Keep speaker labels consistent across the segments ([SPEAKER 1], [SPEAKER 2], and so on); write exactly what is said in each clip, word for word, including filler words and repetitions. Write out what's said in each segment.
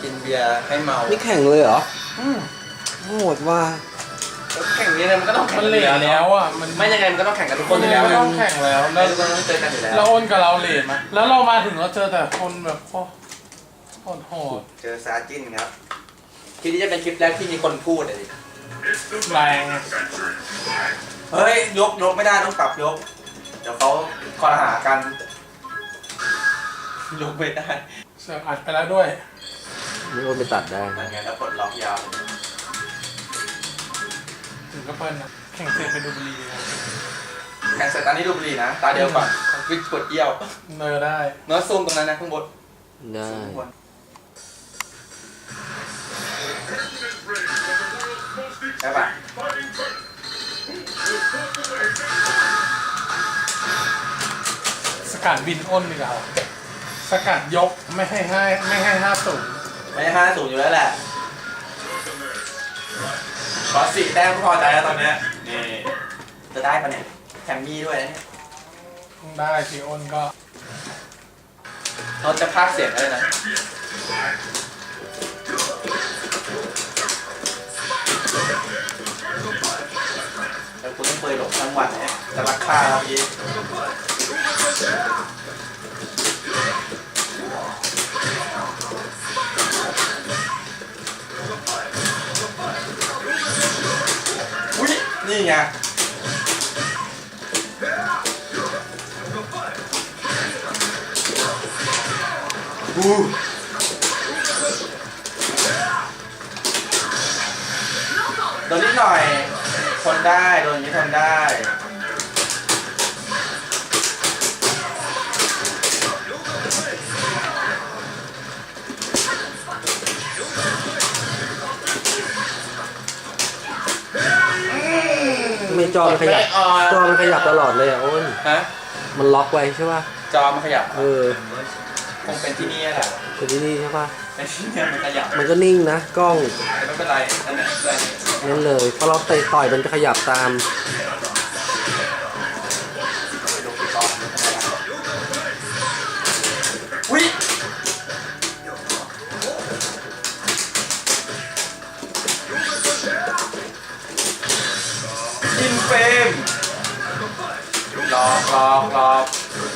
[SPEAKER 1] กินเบียร์ให้เมา
[SPEAKER 2] นี่แข่งเลยเหรอ
[SPEAKER 3] อืม
[SPEAKER 2] โหดว่า
[SPEAKER 1] แล้วแข่งนี้เนี่ยมันก็ต้องแข่ง
[SPEAKER 3] มันเลทแล้วอ่ะมัน
[SPEAKER 1] ไม่ยังไงมันก็ต้องแข่งกับทุกคนอยู่แล้ว
[SPEAKER 3] มันต้องแข่งแล้ว
[SPEAKER 1] แล้
[SPEAKER 3] แล้ว ว
[SPEAKER 1] ต้องเจอกันอยู่แล้ว
[SPEAKER 3] แล้วอ้นกับเราเลทมาแล้วเรามาถึงเราเจอแต่คนแบบโอ้โหดโหด
[SPEAKER 1] เจอซาจินครับคลิปนี้จะเป็นคลิปแรกที่มีคนพูดเลยดิ
[SPEAKER 3] แรงอะ
[SPEAKER 1] เฮ้ยยกยกไม่ได้ต้องปรับยก เดี๋ยวเขาคอรหากันยกไม่ได้
[SPEAKER 3] เสือกอัดไปแล้วด้วย
[SPEAKER 2] ไม่โอนไปตัดได้
[SPEAKER 1] นั่นไงแล้วปลดล็อกยาว
[SPEAKER 3] ถึงก็เปิ้ลนะแข่งเสร็จไปดูบุรีเลยนะ
[SPEAKER 1] แข่งเสร็จตอนนี้ดูบุหรี่นะ ตาเดียวก่อนวิดกดเยี่ยว
[SPEAKER 3] เนอได้
[SPEAKER 1] เนื้อซูมตรงนั้นนะข้างบน
[SPEAKER 2] ได้
[SPEAKER 1] ข้างบนใช่ปะ
[SPEAKER 3] สกัดบินอ้นดีกว่าสกัดยกไม่ให้ให้ไม่ให้ห้าสูง
[SPEAKER 1] ไม่ใช่ห้าศูนย์อยู่แล้วแหละขอสี่แต้มก็พอใจแล้วตอนเนี้ยนี่จะได้ปะเนี่ยแถมมีด้วยนะเนี่ย
[SPEAKER 3] ได้สิอ้นก็
[SPEAKER 1] เราจะพากย์เสียงได้นะแต่คุณต้องเปิดหลบทั้งวันเนี่ยจะรักค่าเราอีกอุ้ยนี่ไงบูโดนนิดหน่อยทนได้โดนอย่างนี้ทนได้
[SPEAKER 2] ไม่จอมันขยับจอมันขยับตลอดเลยอ่ะโอ้น
[SPEAKER 1] ฮะ
[SPEAKER 2] มันล็อกไว้ใช่ป่ะ
[SPEAKER 1] จอมันขยับ
[SPEAKER 2] เออ
[SPEAKER 1] คงเป็นที่นี่แหละ
[SPEAKER 2] แต่ที่นี่ใช่ป่ะ
[SPEAKER 1] เป็นที่นี่มันขยับ
[SPEAKER 2] มันก็นิ่งนะกล้อง
[SPEAKER 1] แต่ไม่เป็นไรนั่นแหละได้
[SPEAKER 2] นั่นเลยพอเราเตะต่อยมันจะขยับตาม
[SPEAKER 1] ไปดูกี่ตอนอุ้ยอินเฟมหลอกหลอกหลอก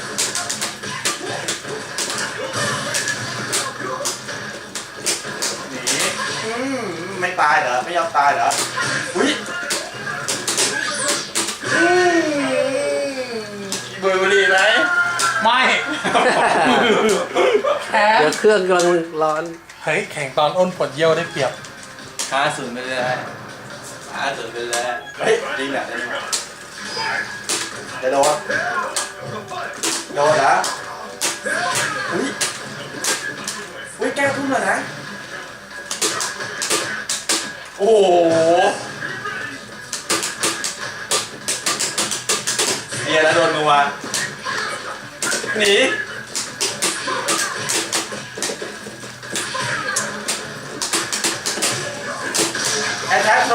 [SPEAKER 1] หนีอืมไม่ตายเหรอ ไม่ยอมตายเหรอ อุ้ยอืมบุยบุหรี่ไหม
[SPEAKER 3] ไม่แพ้
[SPEAKER 2] เดี๋ยวเครื่องกำลังร้อน
[SPEAKER 3] เฮ้ยแข่งตอนอ้นปวดเยี่ยวได้เปรียบ
[SPEAKER 1] ห้าศูนย์ไปเลยห้าศูนย์ไปเลยเฮ้ยจริงอ่ะจริงอ่ะจะโดนโดนนะอุ้ยอุ้ยแก้วทุ่มเลยนะ โอ้โหเบียร์แล้วโดนนัวหนีแอทแทกโร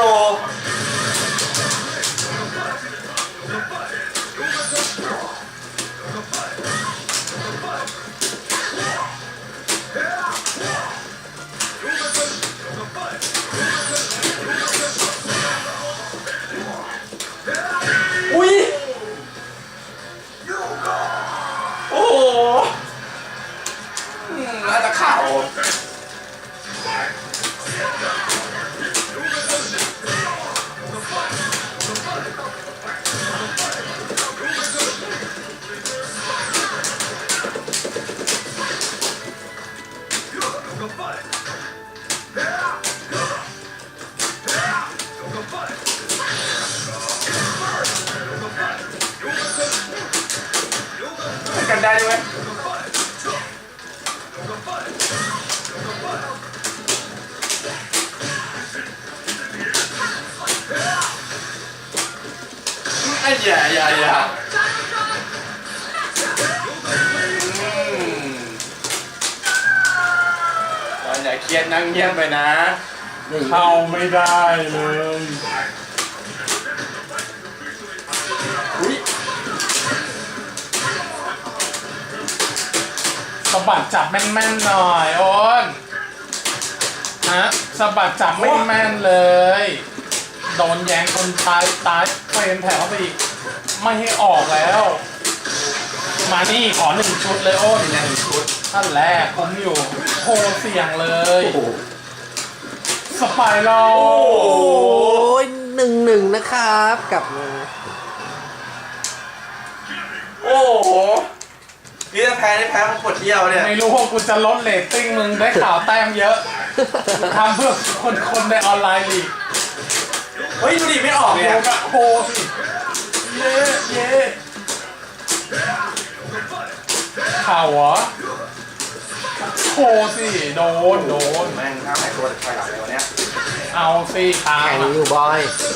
[SPEAKER 1] อุ้ยโอ้โหอืมน่าจะข่าวกันได้ด้วยไอ้อย่าอย่าอย่าตอนอย่าเครียดนั่งเงียบไปนะ
[SPEAKER 3] เข้าไม่ได้เลย
[SPEAKER 1] อุ้ย
[SPEAKER 3] สะบัดจับแม่นๆหน่อยโอนฮะสะบัดจับไม่แม่นเลย โดนแยงคนตายตายเป็นแถวเข้าไปอีกไม่ให้ออกแล้ว มานี่ขอหนึ่งชุดเลยโอ้นหนึ่งชุดท่านแรกผมอยู่โหเสี่ยงเลยสไปรั
[SPEAKER 2] โอ้
[SPEAKER 3] ล
[SPEAKER 2] ยหนึ่งหนึ่งนะครับกลับมา
[SPEAKER 1] โอ้โหนี่ถ้าแพ้ได้แพ้ของขวดเดียวเนี่ย
[SPEAKER 3] ไม่รู้ว่ากูจะลดเรตติ้งมึงได้ข่าวแต้มเยอะทำเพื่อคนคนในออนไลน์ลีก
[SPEAKER 1] เฮ้ยดูดิไม่ออก
[SPEAKER 3] โห
[SPEAKER 1] เนี่ย
[SPEAKER 3] กะโหสิเย่เย่ข่าวเหรอโหสิโดนโดน
[SPEAKER 1] แม่งน้ำหายตัวถอยหลังเลยวันเนี้ย
[SPEAKER 3] เอาสิตาม
[SPEAKER 2] แข่ง
[SPEAKER 3] อะ
[SPEAKER 2] อยู่บอย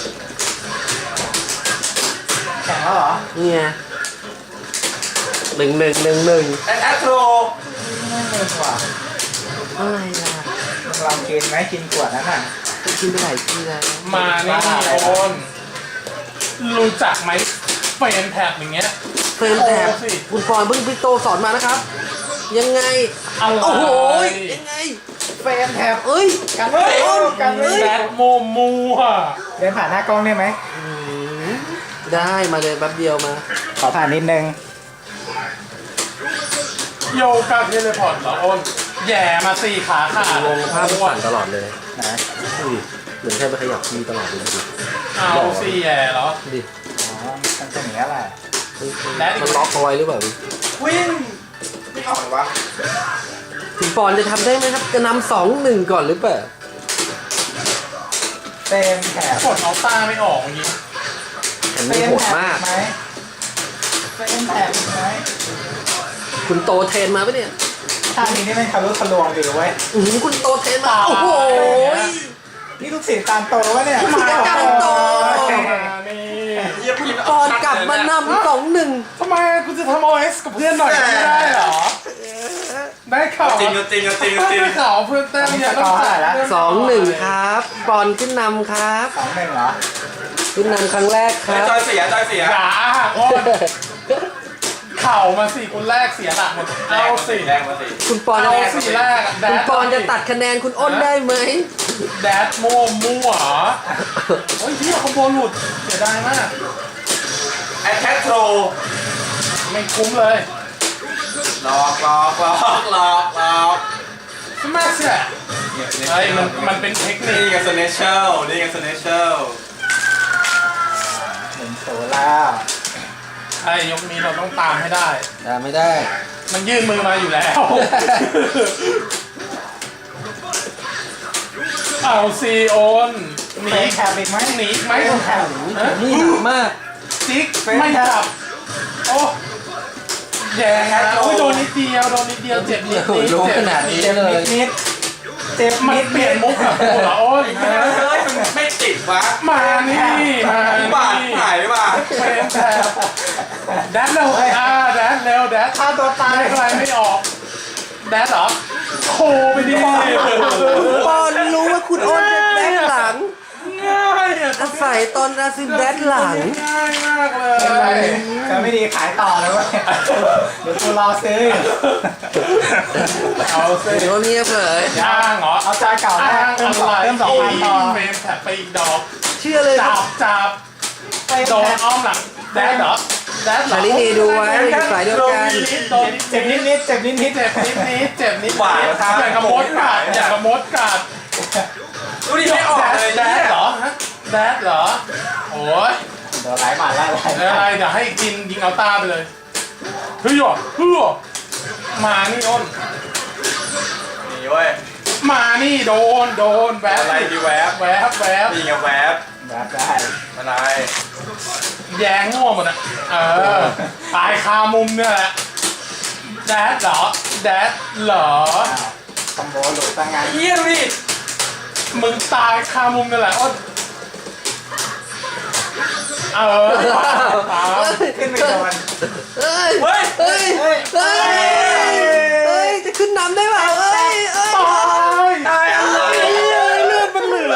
[SPEAKER 4] แข่งแล้วเหรอ
[SPEAKER 2] นี่ไงหนึ่งหนึ่งหนึ่งหนึ่ง
[SPEAKER 1] แอดแอดโทร
[SPEAKER 4] ไม่เงินว่ะ
[SPEAKER 2] อะไรล่ะ
[SPEAKER 4] มึงลองกินไหมกินขวดนั้นน่ะ
[SPEAKER 2] กินไปหลายทีแล้ว
[SPEAKER 3] มานี่โอนรู้จักไหมเฟรนแท็บอย่างเงี้ย
[SPEAKER 2] เฟรมแถบ
[SPEAKER 3] โอ้สิ
[SPEAKER 2] คุณปอนเพิ่งพี่โตสอนมานะครับ ยังไง
[SPEAKER 3] อะไร
[SPEAKER 2] โอ้โหยังไง
[SPEAKER 4] เฟรมแถบ
[SPEAKER 2] เอ้ย
[SPEAKER 4] กันไว้กันไว้
[SPEAKER 3] แบทโมมูอะ
[SPEAKER 4] เดินผ่านหน้ากล้องได้ไหม
[SPEAKER 2] อืมได้มาเลยแป๊บเดียวมา
[SPEAKER 4] ขอผ่านนิดนึง
[SPEAKER 3] โยกาเทเลพอร์ตเหรอโอนแย่มาสี่ขาขาด
[SPEAKER 2] งงภาพมันสั่นตลอดเลย
[SPEAKER 4] นะ
[SPEAKER 2] ดูดิเหมือนใครไปขยับทีตลอดเลยดูดิ
[SPEAKER 3] เอาสี่แย่เหรอ
[SPEAKER 2] ดูดิ
[SPEAKER 4] อ๋อมันเป็นอย่างนี้ยแหละ
[SPEAKER 2] เฮ้ย
[SPEAKER 3] และอีก
[SPEAKER 2] มันล็อกเอาไว้หรือเปล่า
[SPEAKER 1] วิ่งไม่ออกเลยวะ
[SPEAKER 2] คุณปอนจะทำได้ไหมครับจะนำสองหนึ่งก่อนหรือเปล่า
[SPEAKER 4] เฟรมแถบ
[SPEAKER 3] กดเอาต้าไม่ออกอย่างงี้
[SPEAKER 2] อัน
[SPEAKER 4] เฟร
[SPEAKER 2] นี้
[SPEAKER 4] ม
[SPEAKER 2] โหด
[SPEAKER 4] แถบ
[SPEAKER 2] มาก
[SPEAKER 4] ไหมเฟรมแถบไหม
[SPEAKER 2] คุณโตเทรนมาปะเนี่ย
[SPEAKER 4] ท่านี้นี่มันทะลุทะลวงดีเว้ย
[SPEAKER 2] อือคุณโตเทรนมาโอ้โห
[SPEAKER 4] นี่ลูกศิษย์ตามโตวะเนี่ย
[SPEAKER 2] ลูกศิษย์ตามโต
[SPEAKER 3] มานี่
[SPEAKER 1] เยี่ยมพี่
[SPEAKER 2] ปอนกลับมานำสองหนึ่ง
[SPEAKER 3] ทำไมกูจะทำโอเอสกับเพื่อนหน่อยไม่ได้เหรอ ได้ข่าว
[SPEAKER 1] จริงจริงจริงจริง
[SPEAKER 3] ได้ข่าวเพื่อนแต้มเยอะต้องจ่ายแล้ว
[SPEAKER 2] สองหนึ่งครับปอนขึ้นนำครับ
[SPEAKER 4] สองหนึ่งเหรอ
[SPEAKER 2] ขึ้นนำครั้งแรกค
[SPEAKER 1] ไอ้
[SPEAKER 2] รับ
[SPEAKER 1] จอยเสียจอยเสีย
[SPEAKER 3] อย่าอ้างโอนเข่ามาสิคนแรกเสียหลักหมดเอาสิ
[SPEAKER 1] แรงมาสิ
[SPEAKER 2] คุณปอน
[SPEAKER 3] เอา
[SPEAKER 2] จะ
[SPEAKER 3] สิแรกแด
[SPEAKER 2] คุณ
[SPEAKER 3] ด
[SPEAKER 2] ปอนจะตัดคะแนนคุณอ้นได้ไหม
[SPEAKER 3] แดดมั่วมั่วเหรอโอ้ยเฮียคอมโบหลุดเสียดายมาก
[SPEAKER 1] แอดแคทโทร
[SPEAKER 3] ไม่คุ้มเลย
[SPEAKER 1] หลอกหลอกหลอกหลอกหลอก
[SPEAKER 3] สมัชเนี่ยไอ้ยมันมันเป็นเทคนิ
[SPEAKER 1] นี่
[SPEAKER 3] ค
[SPEAKER 1] กับสเนเชลนี่กับสเนเชล
[SPEAKER 4] หนึ่งศูนย์แล้ว
[SPEAKER 3] ไอ้ยกนี้เราต้องตามให้ได้
[SPEAKER 2] ได้ไม่ได้
[SPEAKER 3] มันยื่นมือมาอยู่แล้ว เอาซีโอนห
[SPEAKER 4] เฟร
[SPEAKER 3] นี
[SPEAKER 4] มแถบอีกไหม
[SPEAKER 3] หนีไหม
[SPEAKER 4] เฟรมแถบ
[SPEAKER 3] ฮะ
[SPEAKER 2] นี่หนักมาก
[SPEAKER 3] จิ๊กไม่จับ โอ้แย่นะโอ้ยโดนนิดเดียวโดนนิดเดียวเจ็บนิดนิด
[SPEAKER 2] รู้
[SPEAKER 3] เจ็บ
[SPEAKER 2] ขนาดนี้
[SPEAKER 4] เจ็บ
[SPEAKER 2] เลย
[SPEAKER 4] นิดเจ็บ
[SPEAKER 3] มัน
[SPEAKER 4] นิด
[SPEAKER 3] เปลี่ยนมุกกับกูเหรอโอ้ย
[SPEAKER 1] เฮ้ยมันไม่ติดวะ
[SPEAKER 3] มานี่มา
[SPEAKER 1] บาด
[SPEAKER 3] นี่
[SPEAKER 1] หายไปบ้า
[SPEAKER 3] เป็นแถบแดดเร็วอ่าแดดเร็วแดด
[SPEAKER 4] ฆ่าตัวตาย
[SPEAKER 3] ได้ใครไม่ออกแดดเหรอโคไปดิ
[SPEAKER 2] คุณปอนรู้ว่าคุณอ้นจะแดกหลัง
[SPEAKER 3] ง่ายอ่ะ
[SPEAKER 2] อาศัยตอนอาซิมแดกหลัง
[SPEAKER 3] ง่ายมากเลย
[SPEAKER 4] จะไม่ดีขายต่อเลยเว้ยเดี๋ยวกูรอซื้ออยู่
[SPEAKER 3] เอาสิ
[SPEAKER 2] เดี๋ยวเงียบเลย
[SPEAKER 3] ย่างเหรอ
[SPEAKER 4] เอาจานเก่าแร
[SPEAKER 3] อ้าก ง
[SPEAKER 4] เพิ่มส
[SPEAKER 3] อะ
[SPEAKER 4] อง
[SPEAKER 3] ไร
[SPEAKER 4] เพิ่มสองพันต่อ
[SPEAKER 3] เฟรมแถบไปอีกดอก
[SPEAKER 2] เชื่อเลยค
[SPEAKER 3] จั
[SPEAKER 2] รับบ
[SPEAKER 3] จับ
[SPEAKER 4] เฟรม
[SPEAKER 3] โดน
[SPEAKER 4] แถบ
[SPEAKER 3] อ้อมหลังแดดเหรอแดดเหรอ
[SPEAKER 2] ชาลินีดูไว้อยู่สายเดียวกัน
[SPEAKER 3] โดน
[SPEAKER 4] เจ็บนิดนิดเจ็บนิดนิด
[SPEAKER 3] เจ็บนิดนิดเจ็บนิด
[SPEAKER 1] หวาน
[SPEAKER 3] นิดอย่างกับมดกัดอย่างกับมดกัด
[SPEAKER 1] ดูดิไม่ออกเลย
[SPEAKER 3] แดดเหรอฮะแดดเหรอโอ้ย
[SPEAKER 4] เดี๋ยวไหลหมาไล่ไล่
[SPEAKER 3] อะไรเดี๋ยวให้กินยิงเอาตาไปเลยเฮ้ยหรอเฮ้ยมานี่โดน
[SPEAKER 1] นี่เว้ย
[SPEAKER 3] มานี่โดนโดนแวบ
[SPEAKER 1] อะไรดีแวบ
[SPEAKER 3] แวบแวบ
[SPEAKER 1] นี่ไงแวบ
[SPEAKER 4] แบบได้
[SPEAKER 1] อะไร
[SPEAKER 3] แยงง่วงหมดอ่ะเออตายคามุมเนี่ยแหละแดดเหรอแดดเหรอ
[SPEAKER 4] อ้าวคอมโบหลุดตั้งงาน
[SPEAKER 1] เยี่ยมดิ
[SPEAKER 3] มึงตายคามุมเนี่ยแหละอ้นเออตาม
[SPEAKER 4] ขึ้นไปโดน
[SPEAKER 2] เอ้ย
[SPEAKER 1] เฮ้ย
[SPEAKER 2] เฮ้ย
[SPEAKER 4] เฮ้ย
[SPEAKER 2] เฮ้ยเฮ้ยจะขึ้นนำได้เปล่าเอ้ยเอ้ย
[SPEAKER 3] ตาย
[SPEAKER 1] ตายอะไร
[SPEAKER 3] เลือดมันเหลือ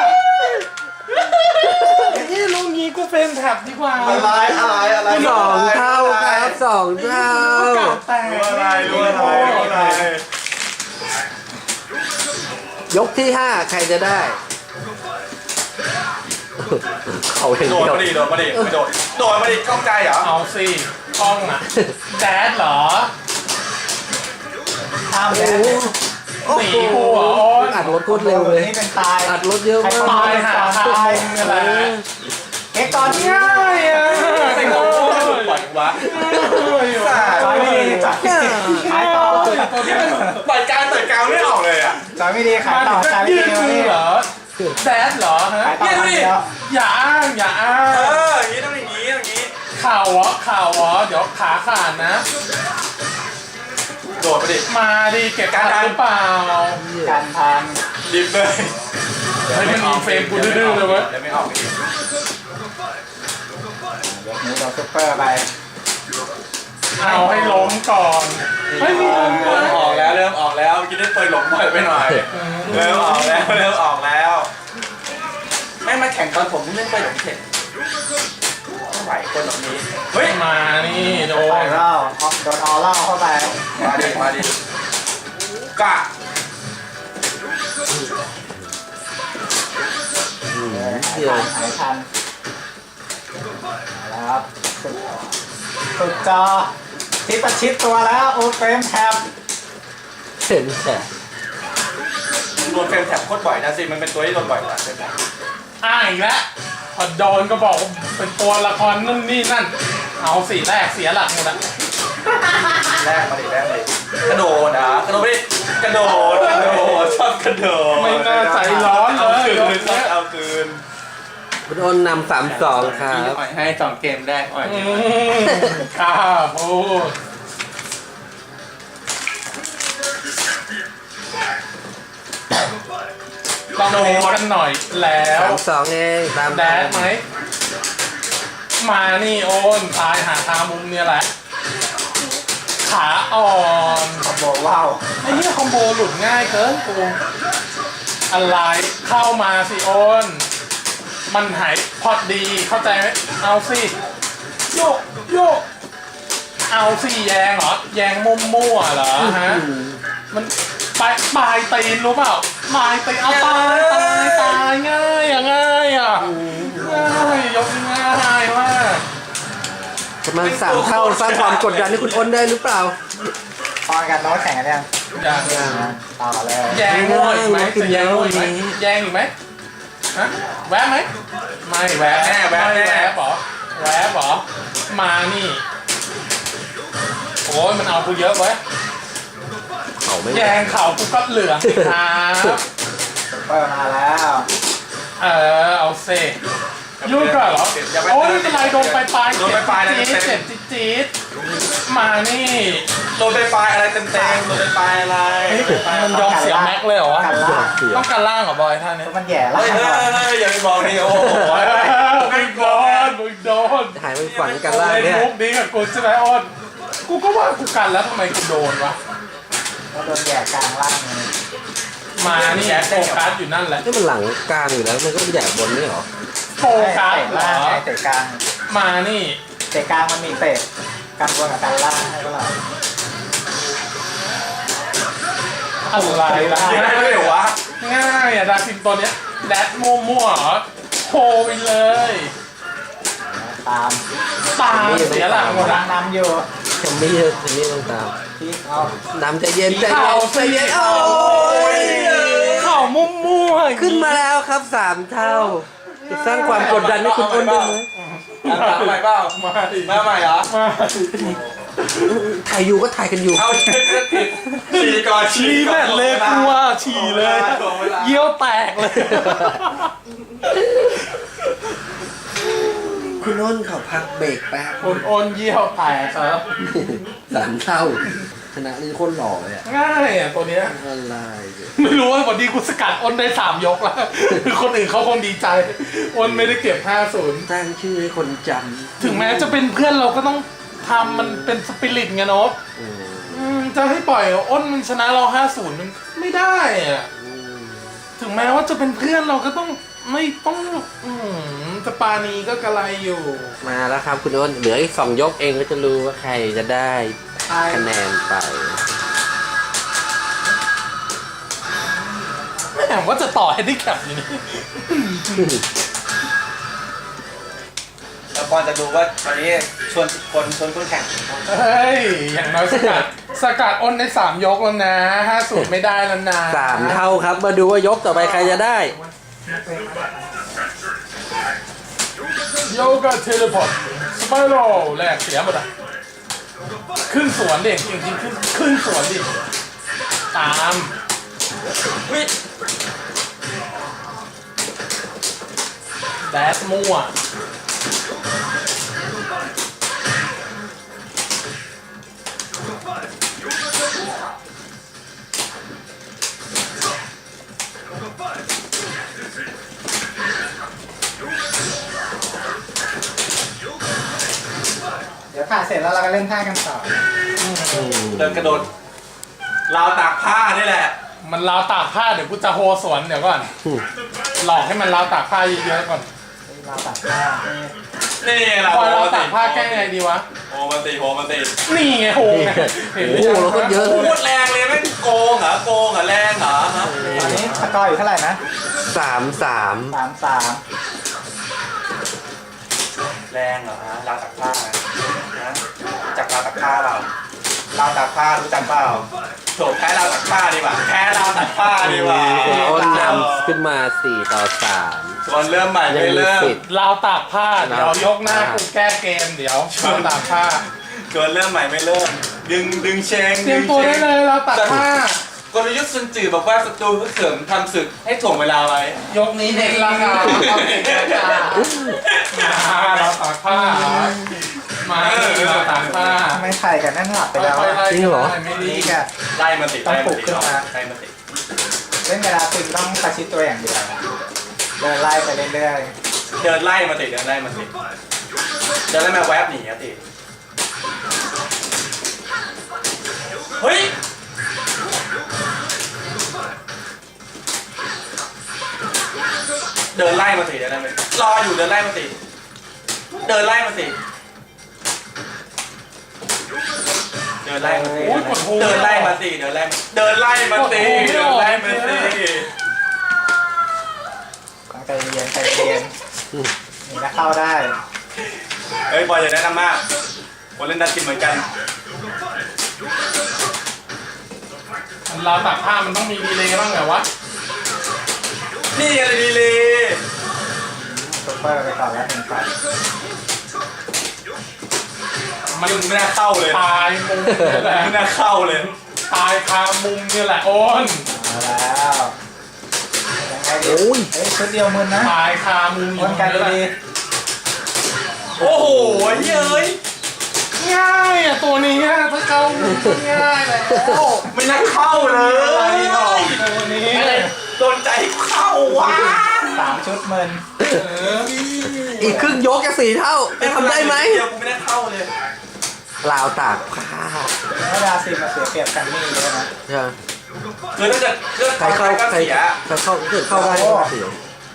[SPEAKER 3] นี่ลุงงี้กูเป็นแท็บดีกว่า
[SPEAKER 1] อะไรอะไรอะไร
[SPEAKER 2] สองเท่าครับสองเท่า
[SPEAKER 3] แตก
[SPEAKER 1] รู้อะไรรู้อะไรรู้อะไร
[SPEAKER 2] ยกที่ห้าใครจะได้ เขาเห็น
[SPEAKER 1] โดด
[SPEAKER 2] เดียว
[SPEAKER 1] มาดิโดดมาดิไม่โดดโดดมาดิกล้องใจเหรอ
[SPEAKER 3] เอาสิกล้องอ่ะแจ๊ดเหรอ
[SPEAKER 4] ข้าม
[SPEAKER 2] โอ้
[SPEAKER 4] เลย
[SPEAKER 2] โห
[SPEAKER 3] หนีหัวโอ้ย
[SPEAKER 2] อัดรถโคตรเร็วเลย
[SPEAKER 4] นี่เป็นตาย
[SPEAKER 2] อัดรถเยอะมาก
[SPEAKER 3] ตายหาทางอะไร
[SPEAKER 4] เอ็กซ์ก่อนเนี่ย
[SPEAKER 3] ง่ายอ่ะ
[SPEAKER 1] ไอ้ของปล่อยวะ
[SPEAKER 4] จอยไม่ดีจอยขายต่อ
[SPEAKER 3] ตัวนี้มัน
[SPEAKER 1] ปล่อยกลางต่อยกลางไม่ออกเลยอ่ะ
[SPEAKER 4] จอยไม่ดีขาย
[SPEAKER 3] มา
[SPEAKER 4] ต่อ
[SPEAKER 3] ถึง
[SPEAKER 4] จอยไม่
[SPEAKER 3] ยื
[SPEAKER 4] ดี
[SPEAKER 3] ด
[SPEAKER 4] มา
[SPEAKER 3] มื
[SPEAKER 4] นี่
[SPEAKER 3] อเหรอแจ๊ดเหรอฮะ
[SPEAKER 4] ขายต่อมาเดียว
[SPEAKER 3] อย่าอ้างอย่าอ้า
[SPEAKER 1] เอง ออย่างนี้ต้องอย่างนี้อย่างนี้
[SPEAKER 3] ข่าวเหรอข่าวเหรอเดี๋ยวขาขาดนะ
[SPEAKER 1] โดดมาดิ
[SPEAKER 3] มาดิเก็บการหรือเปล่า
[SPEAKER 4] การทาน
[SPEAKER 1] ดิบเลย
[SPEAKER 3] เฮ้ยมันมีเฟรมกูดื้อๆเลยเว้ย
[SPEAKER 1] เดี๋ยวไม่ออกอีก
[SPEAKER 4] ยกนี้เราซุปเปอร์ไป
[SPEAKER 3] เอาให้ล้มก่อนเฮ้ยมีล้มด้ว
[SPEAKER 1] เริ่
[SPEAKER 3] ย
[SPEAKER 1] มออกแล้วเริ่มออกแล้วเมื่อกี้ได้เปิดหลงบ่อยไปหน่อยเริ่มออกแล้วเริ่มออกแล้วไม่มาแข่งตอนผมเล่นไปหลงเข็ดไม่ไหวคนแบบนี้เฮ้ย
[SPEAKER 3] มานี่โด
[SPEAKER 4] ไป
[SPEAKER 3] น
[SPEAKER 4] เล่าโดนออเล่าเข้าไป
[SPEAKER 1] มาดิมาดิกะ
[SPEAKER 2] อืม
[SPEAKER 4] หาย
[SPEAKER 2] เดียว
[SPEAKER 4] ทันหายทันแล้วครับสุดสุดจอทิปประชิดตัวแล้วโอเฟรมแท็บ
[SPEAKER 2] เห็นแต่
[SPEAKER 1] โดนเฟรมแท็บโคตรบ่อยนะสิมันเป็นตัวที่โดนบ่อยกว่าเฟรมแท็บ
[SPEAKER 3] อ้างอีกแล้วพอโดนก็บอกว่าเป็นตัวละครนั่นนี่นั่น เอาสีแรกเสียหลักหมดอะ
[SPEAKER 1] แรกมาดิแรกเลยกระโดดนะกระโดดไปดิกระโดดกระโดดชอบกระโดด
[SPEAKER 3] ไม่น่าใจร้อนเล
[SPEAKER 1] เอา
[SPEAKER 3] ย
[SPEAKER 1] คืน
[SPEAKER 3] ยก
[SPEAKER 1] ชอ
[SPEAKER 3] เนี้
[SPEAKER 1] บ
[SPEAKER 3] ย
[SPEAKER 1] เอาคืน
[SPEAKER 2] คุณอ้นนำสามสองครับ
[SPEAKER 1] อ่อยให้สองเกมแรกอ่อย
[SPEAKER 3] อืมกล้าพูดต้องเน้นกันหน่อยแล้ว
[SPEAKER 2] สามสองเองตาม
[SPEAKER 3] แดดไหม มานี่โอนตายหาทางมุมเนี่ยแหละ ขาอ่อน
[SPEAKER 4] คอมโบว้าว
[SPEAKER 3] ไอ้เหี้ยคอมโบหลุดง่ายเกินกูอะไรเข้ามาสิโอน มันหายพอดีเข้าใจไหมเอาสิ โยกโยก เอาสิแยงเหรอ แยงมุมมั่วๆเหรอฮะ มันปลายปลายตีนรู้เปล่าปลายตีนเอาตายตายตายง่ายอ่ะง่ายอ่ะง่ายยกง่ายมาก
[SPEAKER 2] ประมาณสามเท่าสร้างความกดดันให้คุณอ้นได้หรือเปล่า
[SPEAKER 4] ตอนกันโน้ตแข่งกันยัง
[SPEAKER 3] อย่าง
[SPEAKER 4] ต่อเลย
[SPEAKER 3] แยงมั่วอีกไหมจะแยงมั่วอีกไหมแยงอีกไหมฮะแวะไหมไม่แวะแน่แวะแน่แวะเหรอแวะเหรอมานี่โอ้ยมันเอากูเยอะเว้ย
[SPEAKER 2] เขาไม่
[SPEAKER 3] แยงเข่ากูก็เหลืองสิครับ
[SPEAKER 4] ซุปเปอร์มาแล้ว
[SPEAKER 3] เออเอาเซยุ่งกันเหรอโอ้ยไม่เป็นไรโดนไปปลายจี๊ดเจ็บจี๊ดจี๊ดมานี่
[SPEAKER 1] โดนไปปลายอะไรเต็มเต็มโดนไปปลายอะไร
[SPEAKER 3] มันยอมเสียแม็กเลยเหรอวะ
[SPEAKER 4] กันล่าง
[SPEAKER 2] เสีย
[SPEAKER 3] ต้องการล่างเหรอบอยท่านนี้
[SPEAKER 4] มันแย่ล่า
[SPEAKER 1] เฮ้ย
[SPEAKER 4] ง
[SPEAKER 1] เฮ้ย
[SPEAKER 4] ก่อน
[SPEAKER 1] เฮ้ยอย่าไปบอกนี่โอ้โห
[SPEAKER 3] มึงโดนมึงโดน
[SPEAKER 2] หายไปฝันกันล่าง
[SPEAKER 3] เล่น
[SPEAKER 2] เนี่ย
[SPEAKER 3] มุกนี้กับกูใช่ไหมอ้นกูก็ว่ากูกันแล้วทำไมกูโดนวะ
[SPEAKER 4] แล้วโดนแย่กลางล่างเลย
[SPEAKER 3] มานี่โฟกัสอยู่นั่นแหละ
[SPEAKER 2] นี่มันหลังกลางอยู่แล้วมันก็แยกบนนี่เหรอ
[SPEAKER 3] โฟกัส
[SPEAKER 4] เตะ
[SPEAKER 3] เหร
[SPEAKER 4] ล่าง
[SPEAKER 3] อ
[SPEAKER 4] ไงเตะกลาง
[SPEAKER 3] มานี่
[SPEAKER 4] เตะกลางมันมีเตะกันบนกับกันล่างให้เปล่า
[SPEAKER 3] อะไรล่ะ
[SPEAKER 1] ยังไงไม่เดี๋ยววะ
[SPEAKER 3] ง่ายอ่ะดาซิมตัวเนี้ยแดดมั่วๆเหรอโผล่ไปเลย
[SPEAKER 4] ตาม
[SPEAKER 3] ตามเสียหลักหมด
[SPEAKER 4] กำลั
[SPEAKER 3] ละ
[SPEAKER 4] งนำอยู่
[SPEAKER 2] แคมมี่แคมมี่ต้องตาม
[SPEAKER 4] ที่เอา
[SPEAKER 2] น้ำใจเย็นใจ
[SPEAKER 3] เข่า
[SPEAKER 2] เย็นใจ
[SPEAKER 3] สี
[SPEAKER 2] เย็น
[SPEAKER 3] เข่า
[SPEAKER 2] โอ้ย
[SPEAKER 3] เข่ามั่วๆ
[SPEAKER 2] ขึ้นมาแล้วครับสามเท่า จะสร้างความกดดันให้คุณอ้นได้ไหม
[SPEAKER 1] เอาใหม่เปล่า
[SPEAKER 3] มาดิ
[SPEAKER 1] มาใหม่เหรอ
[SPEAKER 3] มา
[SPEAKER 2] ถ่ายอยู่ก็ถ่ายกันอยู่
[SPEAKER 1] เอาฉี่ก่อน
[SPEAKER 3] ฉี่แม่นเลยกูว่าฉี่เลย เยี่ยวแตกเลย
[SPEAKER 2] คุณอ้นเขาพักเบรกแป๊บ
[SPEAKER 3] คนโอนเยี่ยวแตกครับ
[SPEAKER 2] สามเท่าชนะนี่โคนหล่อเลยอะ
[SPEAKER 3] ง่ายอ่ะตัวเนี้ย
[SPEAKER 2] อะไรเนี่ย
[SPEAKER 3] ไม่รู้ว่าวันนี้กูสกัดอ้นได้สามยกแล้ว คนอื่นเขาคงดีใจอ้นไม่ได้เก็บห้าศูนย์
[SPEAKER 2] ตั้งชื่อให้คนจ
[SPEAKER 3] ถึงแม้จะเป็นเพื่อนเราก็ต้องทำมันเป็นสปิริตไงโน้ต
[SPEAKER 2] ำอืม
[SPEAKER 3] อืมจะให้ปล่อยอ้นมันชนะเราห้าศูนย์มันไม่ได้อ่ะ
[SPEAKER 2] อืม
[SPEAKER 3] ถึงแม้ว่าจะเป็นเพื่อนเราก็ต้องไม่ต้องอืมจะปานีก็กระไรอยู่
[SPEAKER 2] มาแล้วครับคุณอ้นเหลืออีกสองยกเองก็จะรู้ว่าใครจะได้คะแนนไป
[SPEAKER 3] แหมว่าจะต่อให้ได้แคปอยู่นี่
[SPEAKER 1] แล้วปอนจะดูว่าวันนี้ชวนคนชวนคนแข่ง
[SPEAKER 3] เฮ้ย อย่างน้อยสกัด สกัดอ้นได้สามยกแล้วนะห้าสูตรไม่ได้แล้วนะ
[SPEAKER 2] สามเท่าครับ มาดูว่ายกต่อไปใครจะได้
[SPEAKER 3] โยกะเทเลพอร์ตสไปโรแรกเสียหมดอ่ะ ขึ้นสวนเด็กจริงๆขึ้นขึ้นสวนดิ ตามวิแดสมั่ว
[SPEAKER 4] เดี๋ยวผ่าเสร็จแล้วเราก็เล่นท่ากันต่อ
[SPEAKER 1] เดินกระโดดราวตากผ้านี่แหละ
[SPEAKER 3] มันราวตากผ้าเดี๋ยวกูจะโฮสวนเดี๋ยวก่อน หลอกให้มันราวตากผ้าเยอะๆก่อน
[SPEAKER 4] เราตัดผ้า
[SPEAKER 1] นี่เรา
[SPEAKER 3] พอ
[SPEAKER 1] โฮ
[SPEAKER 3] ราว
[SPEAKER 1] มา
[SPEAKER 3] ตา
[SPEAKER 1] ติ
[SPEAKER 3] กผ้าแก้ไงดีวะ
[SPEAKER 1] โฮมาติโฮมาติ
[SPEAKER 3] นี่ไงโฮไงเห็นหรือยัง
[SPEAKER 2] โอ้โหเราก็เยอะ
[SPEAKER 1] โคตรแรงเลยแม่งโกงเหรอโกงเหรอแรงเหรอฮะ
[SPEAKER 4] ตอนนี้สกอร์อยู่เท่าไหร่นะ
[SPEAKER 2] สามสาม
[SPEAKER 4] สามสาม
[SPEAKER 1] แรงเหรอฮะราวตากผ้านะจากราวตากผ้าเราราวตากผ้ารู้จักเปล่าโถแพ้ราวตากผ้าดีกว่าแพ้ราวตากผ้าดีกว่า
[SPEAKER 2] อ้นนำขึ้นมาสี่ต่อสาม
[SPEAKER 1] ส่วนเริ่มใหม่
[SPEAKER 2] ยั
[SPEAKER 1] ไม่
[SPEAKER 2] งมี
[SPEAKER 1] เริ่ม
[SPEAKER 2] สิทธิ์
[SPEAKER 3] ราวตากผ้าเดี๋ยวยกหน้ากูแก้เกมเดี๋ยวราวตากผ้า
[SPEAKER 1] ส่วนเริ่มใหม่ไม่เริ่ม ดึงดึงเชง
[SPEAKER 3] เตรียมตัวได้เลยราวตากผ้าก
[SPEAKER 1] ลยุทธ์ซุนจือบอกว่าศัตรูฮึกเหิมทำศึกให้ถ่วงเวลาไว้
[SPEAKER 3] ยกนี้เด็กราคาเอาเด็กราคาราวตากผ้ามาที่ราวตากผ้า
[SPEAKER 4] ทำไมไข่กันนั่นหลับไปแล้ว
[SPEAKER 3] ค่อย
[SPEAKER 4] อะ
[SPEAKER 3] ๆไล่
[SPEAKER 2] จริงเหรอ
[SPEAKER 3] ไม่ดี
[SPEAKER 4] นี่แก
[SPEAKER 1] ไล่มาติด
[SPEAKER 4] ต้อง
[SPEAKER 1] ไล่
[SPEAKER 4] ปลุ
[SPEAKER 1] มาก ติด
[SPEAKER 4] ขึ้นมา
[SPEAKER 1] ไล่มาติด
[SPEAKER 4] เล่นเวลาคุณต้องประชิดตัวอย่างเดียวเดินไล่ไปเรื่อย
[SPEAKER 1] เดินไล่มาติดเดินไล่มาติดเดินไล่มาแวบหนีอะติดเฮ้ยเดินไล่มาติดเดินไล่มารออยู่เดินไล่มาติดเดินไล่มาติดเดินไล่มาติด
[SPEAKER 3] โอ้ยกดโฮ
[SPEAKER 1] เดินไล่มาติดเดินไล่มาเดินไล่มาติดเดินไล่มาติด
[SPEAKER 4] ๆต้องใจเย็นใจเย็นนี่ก็เข้าได้
[SPEAKER 1] เฮ้ยบอยอย่าแนะนำมากคนเล่นดันจิมเหมือนกัน
[SPEAKER 3] ราวตากผ้ามันต้องมีดีเลย์บ้างเหรอวะ
[SPEAKER 1] นี่อะไรดีเลย
[SPEAKER 4] ซุปเปอร์ไปก่อนแล้วหนึ่งฝัน
[SPEAKER 3] มัน
[SPEAKER 1] ไม่น่าเข้าเลย
[SPEAKER 3] ตายมุมนี่แหละ
[SPEAKER 1] ไม่น่าเข้าเลย
[SPEAKER 3] ตายคามุมนี่แหละโอน
[SPEAKER 4] เอาแล้วยังไงดี
[SPEAKER 2] โอ้ย
[SPEAKER 4] เฮ้ยชุดเดียวมึนนะ
[SPEAKER 3] ตายคามุม
[SPEAKER 4] วนกัน
[SPEAKER 3] นี่แหละ
[SPEAKER 4] ดี
[SPEAKER 1] โอ้โหเย้ย
[SPEAKER 3] ง่ายอ่ะตัวนี้อะถ้าเข้ามุมก็ง่ายแล้ว
[SPEAKER 1] ไม่น่าเข้าเลย
[SPEAKER 3] อะไรหรอกตัวนี้
[SPEAKER 1] โดนใจเข้าวะ
[SPEAKER 4] ๆสามชุดมึน
[SPEAKER 3] เออ
[SPEAKER 2] อีกครึ่งยกจะสี่เท่าจะทำได้ไหม
[SPEAKER 1] เดียวกูไม่น่าเข้าเลย
[SPEAKER 2] ราวตากผ้า
[SPEAKER 4] เมื่อดาซินมาเสียเปรียบกันนี่เยอะนะ
[SPEAKER 2] ใช่ไหม
[SPEAKER 1] คือถ้าเกิดเลือก
[SPEAKER 2] ใครเข้า
[SPEAKER 1] ก็
[SPEAKER 2] ใคร
[SPEAKER 1] เสีย
[SPEAKER 2] ใครเข้าเกิดเข้าได้ก็เสีย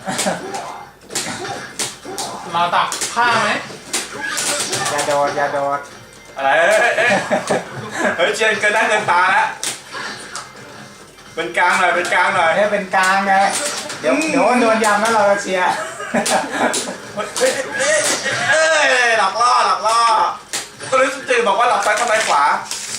[SPEAKER 3] เราตักผ้าไหม
[SPEAKER 4] อย่าโดดอย่าโดด
[SPEAKER 1] อะไรเอ้ยเอ้ยเฮ้ยเชียนเกินได้เกินตาแล้วเป็นกลางหน่อยเป็นกลางหน่อย
[SPEAKER 4] ให้เป็นกลางไงเดี๋ยวเดี๋ยวโดนยำแล้วเราจะเชียร์
[SPEAKER 1] เฮ้ยเอ้ยเอ้ยเอ้ยหลอกล่อหลอกล่อก็เลยสุดจืดบอกว่าหลอกซ้ายทำลายขวา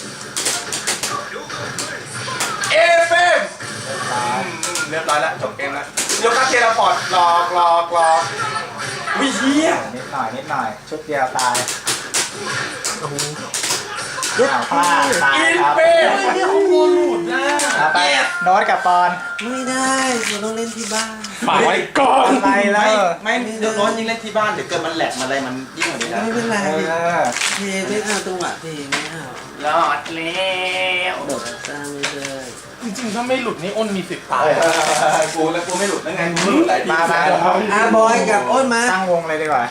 [SPEAKER 1] เอฟเอ็ม เรียบร้อยแล้วจบเกมแล้วยกคาเทเลพอร์ตหลอกหลอกหลอกวิเฮีย
[SPEAKER 4] นิดหน่อยนิดหน่อย ชุดเดียวตาย
[SPEAKER 2] โอ้โห
[SPEAKER 4] อ้าวพลาดตาย
[SPEAKER 1] อิน
[SPEAKER 4] ครับ
[SPEAKER 1] เป้
[SPEAKER 3] เฮ้ยของโมหลุดนะ
[SPEAKER 4] เอาไปโน้ตกับปอน
[SPEAKER 2] ไม่ได้เราต้องเล่นที่บ้าน
[SPEAKER 3] ฝากไว้ก่อน
[SPEAKER 4] อะไรแล้ว
[SPEAKER 1] ไม่เดี๋ยวน้องยิ่งเล่นที่บ้านเดี๋ยวเกิดมันแหลกมันอะไรมันยิ่งกว่านี้นะ
[SPEAKER 2] ไม่เป็นไร
[SPEAKER 4] เออ
[SPEAKER 2] เพลงไม่เอาจังหวะเพลงไม่เอา
[SPEAKER 1] รอดแล้ว
[SPEAKER 2] โดดสร้างไม่ได้
[SPEAKER 3] จริงๆถ้าไม่หลุดนี่อ้นมีสิทธิ์ตาย
[SPEAKER 1] กูแล้วกูไม่หลุดแล้วไงกูหลุดหลายที
[SPEAKER 4] มามา
[SPEAKER 2] อาบอยกับอ้นมา
[SPEAKER 4] ตั้งวงเลยดีกว่า